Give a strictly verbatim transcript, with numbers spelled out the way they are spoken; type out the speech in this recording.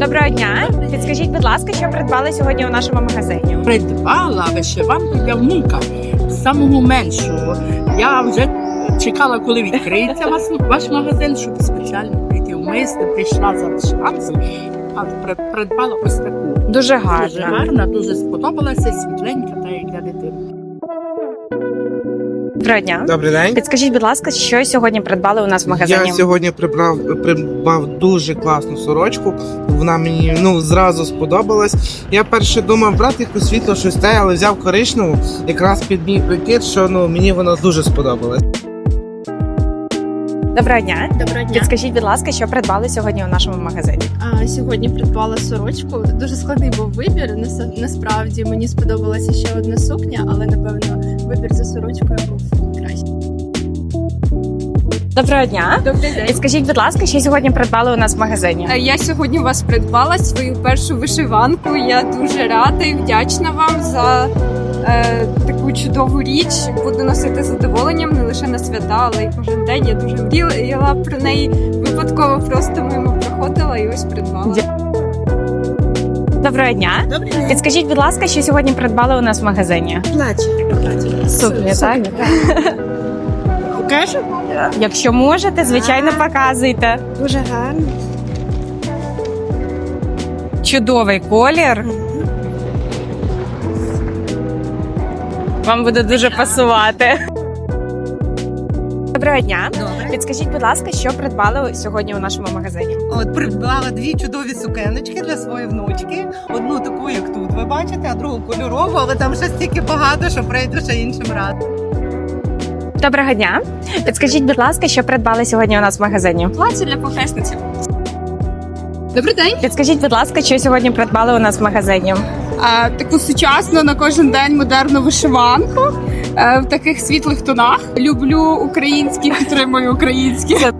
Доброго дня. Підскажіть, будь ласка, що придбали сьогодні у нашому магазині? Придбала вишиванку для внука, самого меншого. Я вже чекала, коли відкриється ваш, ваш магазин, щоб спеціально прийти в мисти, прийшла за вишиванкою, а при- придбала ось таку. Дуже гарно. Дуже гарна, дуже сподобалася, світленька, та як для дитини. Доброго дня. Добрий день. Підскажіть, будь ласка, що сьогодні придбали у нас в магазині? Я сьогодні прибрав придбав дуже класну сорочку. Вона мені ну зразу сподобалась. Я перше думав брати якусь світло, щось те, але взяв коричневу, якраз під мій прикид, що ну мені вона дуже сподобалась. Доброго дня. Доброго дня. Підскажіть, будь ласка, що придбали сьогодні у нашому магазині? А, сьогодні придбала сорочку. Дуже складний був вибір. Нас- Насправді мені сподобалася ще одна сукня, але напевно вибір за сорочкою був кращий. Доброго дня. Добрий день. Підскажіть, будь ласка, що сьогодні придбали у нас в магазині? Е, Я сьогодні у вас придбала свою першу вишиванку. Я дуже рада і вдячна вам за е, таку чудову річ. Буду носити з задоволенням не лише на свята, але й кожен день. Я дуже мріяла про неї. Випадково просто мимо проходила і ось придбала. Доброго дня. Добрий день. Підскажіть, будь ласка, що сьогодні придбали у нас в магазині? Платі. Сукні, так? Покажу? Якщо можете, звичайно, показуйте. Дуже гарно. Чудовий колір. Вам буде дуже пасувати. Доброго дня. Підскажіть, будь ласка, що придбали сьогодні у нашому магазині? От придбала дві чудові сукеночки для своєї внучки. Одну таку, як тут ви бачите, а другу кольорову, але там ще стільки багато, що прийду ще іншим разом. Доброго дня. Підскажіть, будь ласка, що придбали сьогодні у нас в магазині? Плаття для похресниці. Добрий день. Підскажіть, будь ласка, що сьогодні придбали у нас в магазині? А, таку сучасну на кожен день модерну вишиванку е, в таких світлих тонах. Люблю українські, підтримую українські.